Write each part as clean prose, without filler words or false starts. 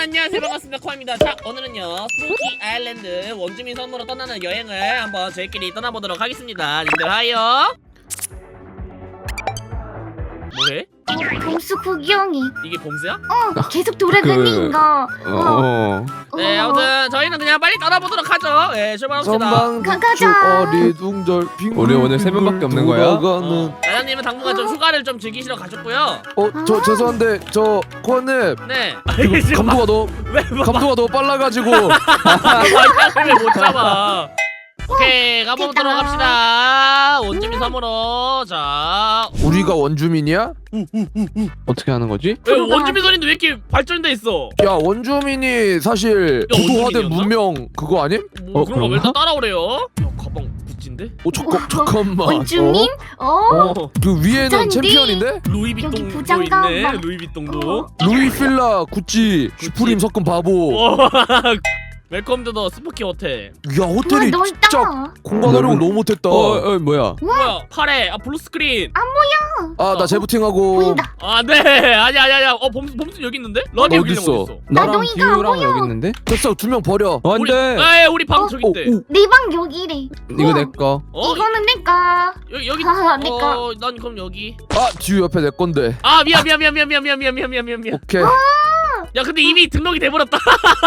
안녕하세요, 반갑습니다. 코아입니다. 자, 오늘은요 스푸키 아일랜드 원주민 섬으로 떠나는 여행을 한번 저희끼리 떠나보도록 하겠습니다. 님들 하이요. 뭐해? 봄수 구경이 이게 봄수야? 계속 돌아다니니까 네, 아무튼 저희는 그냥 빨리 떠나보도록 하죠. 네, 출발합시다. 가자. 어리둥절 빙글 우리 오늘 세 명밖에 없는 거야? 나연님은 당분간 좀 휴가를 좀 즐기시러 가셨고요. 저 죄송한데 저 코아님 네. 지금 왜 감도가 너무 빨라가지고 못 잡아. 오케이, 가보도록 합시다. 원주민 섬으로. 자, 우리가 원주민이야? 어떻게 하는 거지? 왜 원주민 섬인데 왜 이렇게 발전돼 있어? 야 원주민이 사실 고도화된 원주민이었나? 문명 그거 아님? 뭐 그런 거 왜 그런가? 다 따라오래요? 야, 가방 구찌인데? 잠깐만. 원주민? 그 위에는 부잔디? 챔피언인데? 루이비통도 여기 부장가 있네. 막- 루이비통도. 루이필라 구찌 슈프림 섞은 바보. 웰컴 투 더 스푸키 호텔. 야 호텔이 우와, 진짜 넓다. 공간 활용 너무 못했다. 뭐야? 뭐야? 파래. 아, 블루 스크린. 아 나 재부팅하고. 보인다. 아, 네. 아니야. 범수 여기 있는데? 러니 여기 어딨어? 있어. 나랑 너희가 디유랑 여기 있는데? 됐어 2명 버려. 우리, 안돼. 우리 방 저기 있대. 내 방 여기래. 이거 내 거. 이거는 내가. 여기. 내가. 난 그럼 여기. 아 뒤에 옆에 내 건데. 아, 미안. 오케이. 야, 근데 이미 등록이 돼버렸다.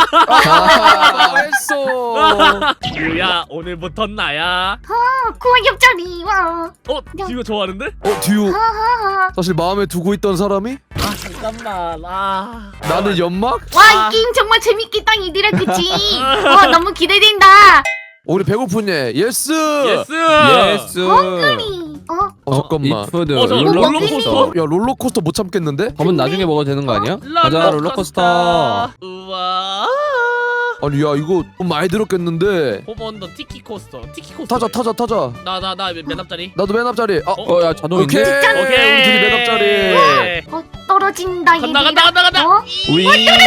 했어. 야, 오늘부터 나야. 코아 옆자리 와. 이거 좋아하는데? 듀 하하하. 사실 마음에 두고 있던 사람이 아, 잠깐만. 나는 연막? 와, 이 게임 정말 재밌겠다 이들아 그치? 너무 기대된다. 우리 배고프네. 예스. 예스. 헝그리. 잠깐만. 이푸드 저 롤러코스터. 야 롤러코스터 못 참겠는데? 밥은 나중에 먹어도 되는 거 아니야? 가자 롤러코스터. 우와. 아니 야 이거 돈 많이 들었겠는데. 호번더 티키 코스터. 티키 코스터. 타자. 나맨 앞자리. 나도 맨 앞자리. 야 자동 오케이. 있네. 오케이. 우리 둘이 맨 앞자리. 떨어진다 얘들아. 간다. 위.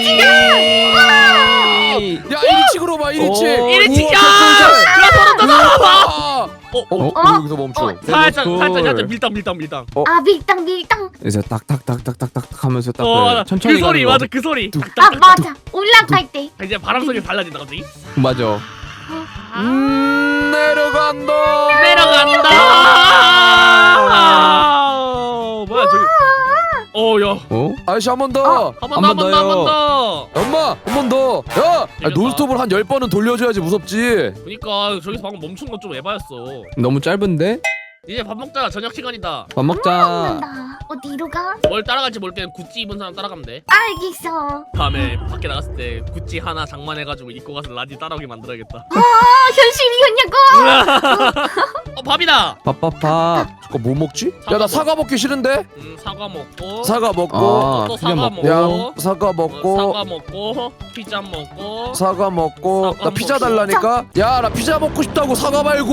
야 1인칭으로 봐 1인칭. 1인칭이야. 여기서 멈춰. 살짝 콜. 밀당. 밀당. 그래서 딱딱딱딱딱딱 하면서 딱 맞아. 천천히 그 소리 가는 거. 맞아. 그 소리. 맞아. 올라갈 때. 이제 바람 소리 달라진다 갑자기. 맞아. 내려간다. 뭐야 저기. 야. 아저씨 한 번 더. 한 번 더. 엄마 한 번 더. 야 이겼다. 논스톱을 한 10번은 돌려줘야지 무섭지. 그니까 저기서 방금 멈춘 건 좀 에바였어. 너무 짧은데? 이제 밥 먹자. 저녁 시간이다. 밥 먹자. 먹는다. 어디로 가? 뭘 따라갈지 모를 때는 구찌 입은 사람 따라가면 돼. 알겠어. 다음에 밖에 나갔을 때 구찌 하나 장만해가지고 입고 가서 라디 따라오게 만들어야겠다. 현실이었냐고? 밥이다. 밥밥밥. 잠깐 뭐 먹지? 야 나 사과 먹기 싫은데. 사과 먹고. 사과 먹고. 또 피자 사과 먹고. 양 사과 먹고. 사과 먹고. 피자 먹고. 사과 먹고. 사과 나 피자 먹고. 달라니까. 야 나 피자 먹고 싶다고 사과 말고.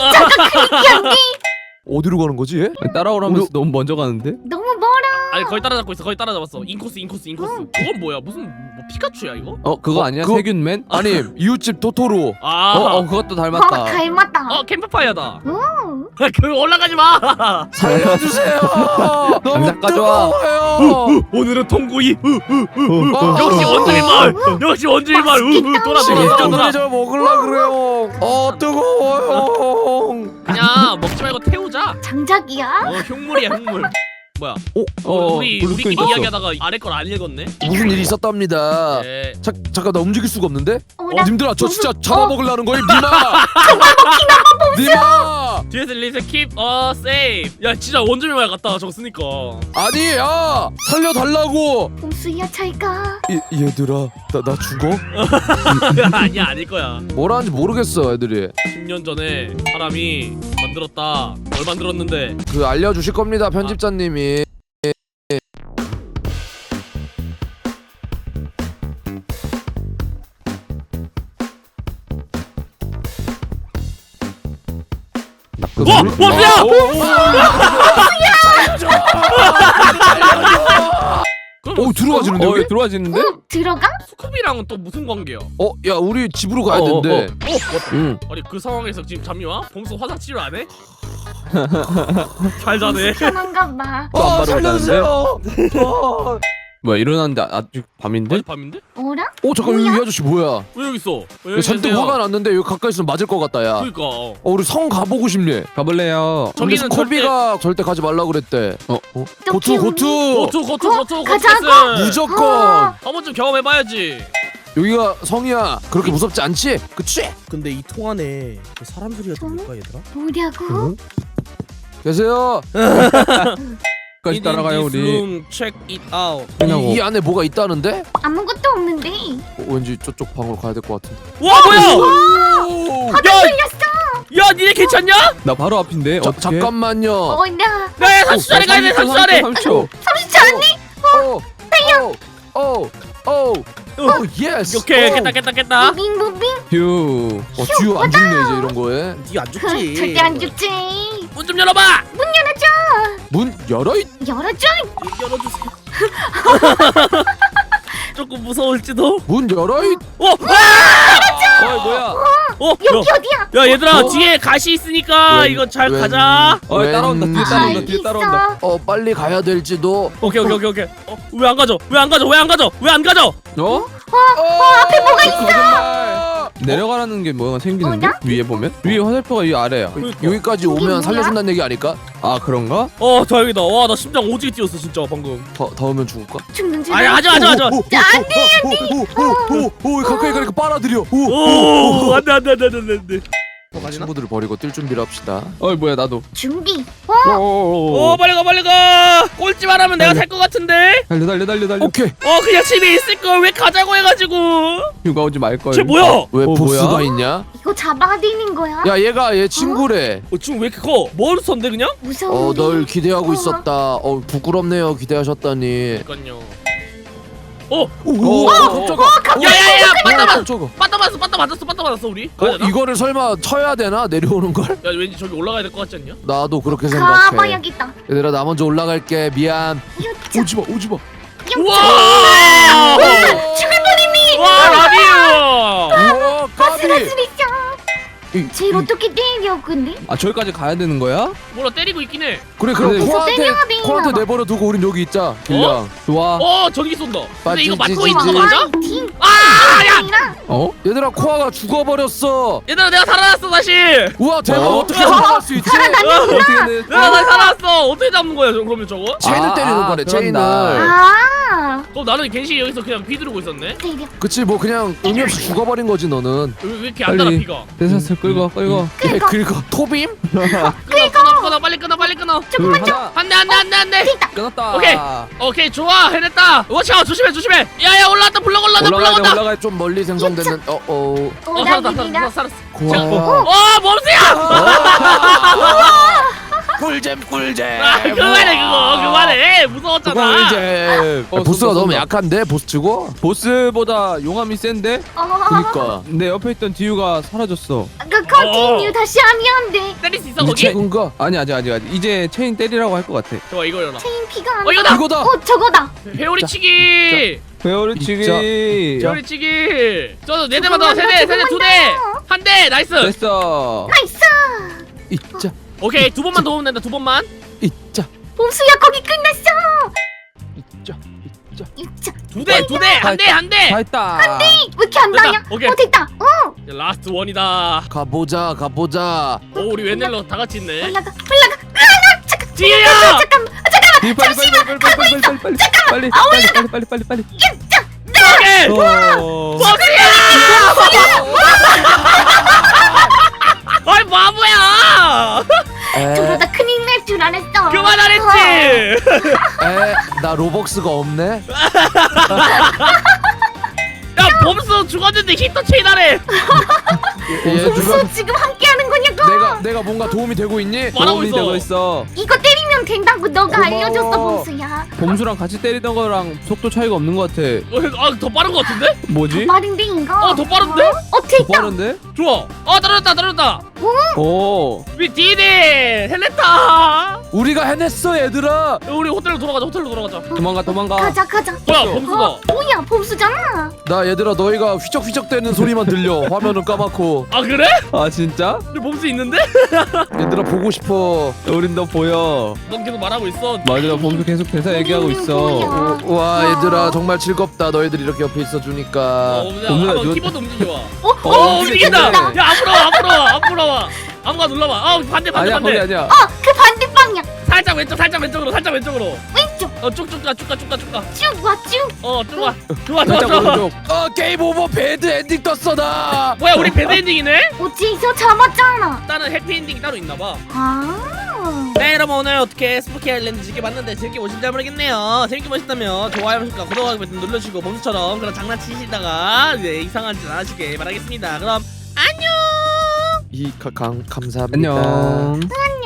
어디로 가는 거지? 얘? 따라오라면서 우리- 너무 먼저 가는데? 너무 멀어. 아니 거의 따라잡고 있어. 거의 따라잡았어. 인코스. 그건 뭐야? 무슨 뭐 피카츄야 이거? 그거 아니야? 그거- 세균맨? 아니 이웃집 토토로. 그것도 닮았다. 닮았다. 캠프파이어다. 오. 그 올라가지 마. 살려주세요. 너무 당장 가져와. 뜨거워요. 오늘은 통구이. 어. 역시 원주민 마을. 역시 원주민 마을. 돌아. 오늘이 저 먹을라 그래요. 뜨거워요. 그냥 먹지 말고 태우자. 장작이야? 흉물이야 흉물. 뭐야? 우리끼리 블루스크린 떴어. 이야기하다가 아래 걸 안 읽었네. 무슨 일이 있었답니다. 네. 잠깐 나 움직일 수가 없는데? 나 님들아 저 진짜 무슨- 잡아먹으려는 거임 니마. 니마. 뒤에서 리세 keep safe. 야 진짜 원주민 마을 갔다 저거 쓰니까. 아니 야 살려달라고. 봄수야 잘가. 얘들아 나 죽어? 아니야 아닐 거야. 뭐라는지 모르겠어 애들이. 10년 전에 사람이 만들었다. 뭘 만들었는데? 그 알려주실 겁니다 편집자님이. 원수야! 오 들어가지는데 여기? 들어와지는데? 들어가? 스쿠비랑은 또 무슨 관계야? 야 우리 집으로 가야 된대. 응. 아니 그 상황에서 지금 잠이 와? 범수 화상 치료 안 해? 잘 자네. 편한가 봐. 또안 바르고 살려주세요. 뭐야 일어났는데 아직 밤인데? 아직 밤인데? 어라? 잠깐 이 아저씨 뭐야? 왜 여기 있어? 왜 야, 여기 잔뜩 계세요? 화가 났는데 여기 가까이 있으면 맞을 것 같다 야. 그러니까 우리 성 가보고 싶네. 가볼래요. 근데 저기는 코비가 절대 가지 말라 그랬대. 고투 고투 가자고. 패스. 무조건 한 번쯤 경험해봐야지. 여기가 성이야. 그렇게 무섭지 않지? 그치? 근데 이 통 안에 그 사람 소리가 들릴까 얘들아? 뭐냐고? 계세요. 까지 따라가요 우리. Check it out. 이 안에 뭐가 있다는데? 아무것도 없는데. 왠지 저쪽 방으로 가야 될 것 같은데. 와 뭐야? 바닥 걸렸어. 야 니네 괜찮냐? 나 바로 앞인데. 어떻게? 잠깐만요. 어나 야 30초 안에 가야 돼 30초 안에. 30초. 30초 안에. 오, 예스. 오케이 깼다. 무빙. 휴. 듀오 안 죽네 이제 이런 거에. 니 안 죽지? 절대 안 죽지. 문 좀 열어봐. 문 열어 있. 열어줘. 열어주세요. 조금 무서울지도. 문 열어 있. 어 뭐야? 여기 어디야? 야 얘들아 뒤에 가시 있으니까 이거 잘 가자. 따라온다. 뒤에 따라온다. 뒤에 따라온다. 빨리 가야 될지도. 오케이. 왜 안 가져? 왜 안 가져? 어? 앞에 뭐가 있어. 내려가라는 게 뭐가 생기는데? 나? 위에 보면? 위에 화살표가 이 아래야. 여기까지 뭐야? 오면 살려준다는 얘기 아닐까? 아 그런가? 다행이다. 와 나 심장 오지게 뛰었어 진짜 방금. 더 오면 죽을까? 죽는 줄. 아니 하지 마. 오, 가까이 가니까 빨아들여. 오 안돼. 친구들을 버리고 뛸 준비를 합시다. 뭐야 나도. 준비. 오 빨리 가. 꼴찌만 하면 내가 살 것 같은데. 달려. 오케이. 그냥 집에 있을 걸 왜 가자고 해가지고. 휴가 오지 말 걸. 쟤 뭐야? 왜 보스가 뭐야? 있냐? 이거 잡아야 되는 거야? 야, 얘 친구래. 지금 왜 이렇게 커? 몬스터인데 그냥? 무서워. 널 기대하고 있었다. 부끄럽네요. 기대하셨다니. 그러니까요. 오, 깜짝아. 야야야 깜짝아. 빠따 맞았어 우리. 이거를 설마 쳐야 되나? 내려오는 걸? 야 왠지 저기 올라가야 될 것 같지 않냐? 나도 그렇게 생각해. 가봐야겠다. 얘들아, 나 먼저 올라갈게. 미안. 유차. 오지 마. 우와! 와 라디오. 우와, 까비. 쟤 어떻게 때려 근데? 저기까지 가야 되는 거야? 뭐라 때리고 있긴 해. 그래, 그럼 그래서 때려야 돼, 코한테 이놈아. 내버려 두고 우린 여기 있자. 길냥. 좋아. 전기 쏜다. 근데 이거 맞고 빠지지. 있는 거 맞아? 팀. 야! 어? 얘들아, 코아가 죽어버렸어. 얘들아 내가 살아났어 다시. 우와, 대박. 어? 어떻게 살아날 수 있지? 어떻게 돼? 나 살아났어. 어떻게 잡는 거야 그러면 저거? 체인을 때리는 거네. 체인을. 아. 그럼 나는 갱신이 여기서 그냥 휘두르고 있었네. 때려. 그치, 뭐 그냥 의미 없이 죽어버린 거지 너는. 왜 이렇게 안 달아 빨리. 피가? 대사슬 끌고. 예, 그리고 토빔? 끊어 빨리 끊어. 조금만 좀. 안돼. 끊었다. 오케이 좋아 해냈다. 워치아웃 조심해. 야야 올라왔다 블럭 올라왔다. 올라가야 좀 멀리 생성되는. 살았다. 코아. 범수야. 꿀잼. 그만해 무서웠잖아. 꿀잼. 보스가 너무 약한데 보스치고? 보스보다 용암이 센데? 그니까. 내 옆에 있던 디유가 사라졌어. 그 컨티뉴 다시 하면 안 돼. 때릴 수 있어 거기? 최근가? 아니 아직. 이제 체인 때리라고 할 것 같아. 좋아 이거 열어. 체인 피가 안 이거다. 이거다. 저거다. 회오리치기. 회오리치기. 회오리치기. 네 대만 더. 세대 2대. 한 대 나이스. 됐어. 나이스. 있자. 오케이 2번만 더 오면 된다 2번만. 있자. 봄수야 거기 끝났어. 있자. 유차. 2대. 한 대. 다 했다. 왜 이렇게 안 됐다. 나냐? 오케이. 됐다. 라스트 원이다. 가보자. 오 우리 웬일로 다 같이 있네. 올라가. 지혜야. 잠깐만. 빨리. 오케이. 범수야. 아이 바보야. 저러다 큰일 날 줄 알았어. 그만 안 했지. 나 로벅스가 없네. 야 범수 죽었는데 히터 체인 하래. 봄수 지금 함께하는 거냐고. 내가 뭔가 도움이 되고 있니? 말하고 도움이 되고 있어. 있어. 이거 때리면 된다고 너가 고마워. 알려줬어 봄수야. 봄수랑 같이 때리던 거랑 속도 차이가 없는 것 같아. 더 빠른 거 같은데? 뭐지? 빠른데 이거. 더 빠른데? 됐다. 빠른데? 좋아. 떨어졌다. 오. 우리 디디 해냈다. 우리가 해냈어, 얘들아. 우리 호텔로 돌아가자. 도망가. 가자. 뭐야 범수가? 뭐야 봄수잖아. 나 얘들아 너희가 휘적휘적대는 소리만 들려. 화면은 까맣고. 아 그래? 아 진짜? 근데 볼 수 있는데? 얘들아 보고 싶어. 우린 너 보여. 넌 계속 말하고 있어. 맞아, 나 보면서 계속 대사 얘기하고 있어. 와 얘들아 정말 즐겁다. 너희들이 이렇게 옆에 있어주니까. 오늘 한번 누- 키보드 움직여봐. 어? 움직인다. 움직이네. 야 앞으로 와. 아무가 눌러봐. 아 반대 아니야, 거기 아니야. 그 반대 방향. 살짝 왼쪽으로. 왼쪽. 쭉쭉 가. 쭉 와 쭉. 쭉 와. 좋아. 살짝 오른쪽. 게임 오버 배드 엔딩 떴어 나. 뭐야 우리 배드 엔딩이네? 어째서 잡았잖아. 다른 해피 엔딩이 따로 있나봐. 아. 네 여러분 오늘 어떻게 스푸키 아일랜드 즐겨봤는데 재밌게 보신지 모르겠네요. 재밌게 보셨다면 좋아요 구독하기 버튼 눌러주시고 범수처럼 그런 장난치시다가 이상한 짓 안 하시길 바라겠습니다. 그럼 안녕. 감사합니다. 안녕. 안녕.